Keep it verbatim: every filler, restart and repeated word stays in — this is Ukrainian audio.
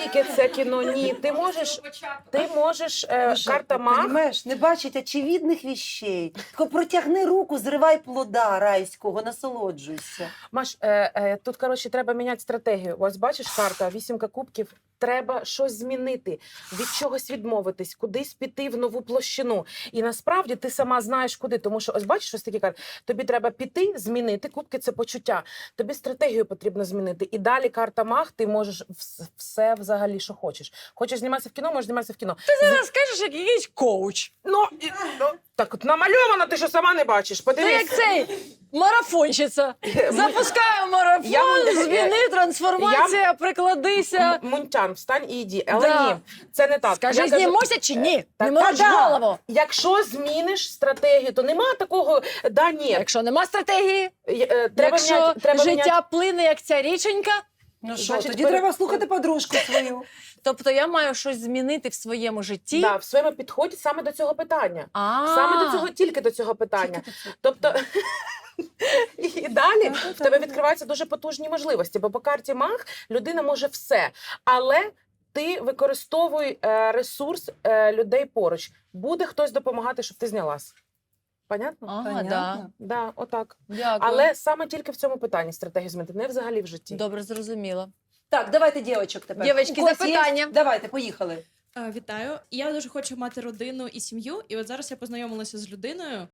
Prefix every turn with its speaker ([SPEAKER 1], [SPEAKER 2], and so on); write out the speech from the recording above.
[SPEAKER 1] тільки це кіно, ні. Ти можеш, ти можеш е, карта маг.
[SPEAKER 2] Понимаєш, не бачить очевидних вещей. Тільки протягни руку, зривай плода райського, насолоджуйся.
[SPEAKER 1] Маш, е, е, тут, коротше, треба міняти стратегію. Ось бачиш карта, вісімка кубків. Треба щось змінити, від чогось відмовитись, кудись піти в нову площину. І насправді ти сама знаєш куди. Тому що, ось бачиш, ось такі карти. Тобі треба піти, змінити. Кубки – це почуття. Тобі стратегію потрібно змінити. І далі карта маг, ти можеш вс- все взагалі, що хочеш. Хочеш зніматися в кіно, можеш зніматися в кіно.
[SPEAKER 3] Ти зараз скажеш, як якийсь коуч.
[SPEAKER 1] Ну, і- ну, так от намальовано, ти що сама не бачиш.
[SPEAKER 3] Ти
[SPEAKER 1] Подивись.
[SPEAKER 3] як цей марафонщиця. Запускаю марафон,
[SPEAKER 1] Я-
[SPEAKER 3] зміни, трансформація, прикладися.
[SPEAKER 1] М- Мунтян, встань і йди. Але
[SPEAKER 3] Да.
[SPEAKER 1] ні, це не так.
[SPEAKER 3] Скажи,
[SPEAKER 1] Я кажу,
[SPEAKER 3] знімуся чи ні?
[SPEAKER 1] та-
[SPEAKER 3] Не
[SPEAKER 1] та
[SPEAKER 3] мороч
[SPEAKER 1] да.
[SPEAKER 3] голову.
[SPEAKER 1] Якщо зміниш стратегію, то нема такого, да, ні.
[SPEAKER 3] Якщо нема стратегії,
[SPEAKER 1] Е, е, Треба
[SPEAKER 3] якщо
[SPEAKER 1] міняти, треба
[SPEAKER 3] життя
[SPEAKER 1] міняти.
[SPEAKER 3] плине, як ця річенька,
[SPEAKER 2] Ну що,
[SPEAKER 1] Значить,
[SPEAKER 2] тоді
[SPEAKER 1] пере-
[SPEAKER 2] треба слухати подружку свою.
[SPEAKER 3] тобто я маю щось змінити в своєму житті.
[SPEAKER 1] Да, в своєму підході саме до цього питання.
[SPEAKER 3] А,
[SPEAKER 1] Саме до цього, тільки до цього питання. Тобто, і далі в тебе відкриваються дуже потужні можливості, бо по карті маг людина може все, але ти використовуй е, ресурс е, людей поруч. Буде хтось допомагати, щоб ти знялась. Понятно?
[SPEAKER 3] Ага, да.
[SPEAKER 2] Понятно.
[SPEAKER 1] Да, отак.
[SPEAKER 3] Дякую.
[SPEAKER 1] Але саме тільки в цьому питанні стратегію змінити, не взагалі в житті.
[SPEAKER 3] Добре, зрозуміло.
[SPEAKER 2] Так, давайте дівочок тепер.
[SPEAKER 3] Дівочки,
[SPEAKER 2] У когось
[SPEAKER 3] запитання?
[SPEAKER 2] є? Давайте, поїхали.
[SPEAKER 4] Е, Вітаю. Я дуже хочу мати родину і сім'ю. І от зараз я познайомилася з людиною,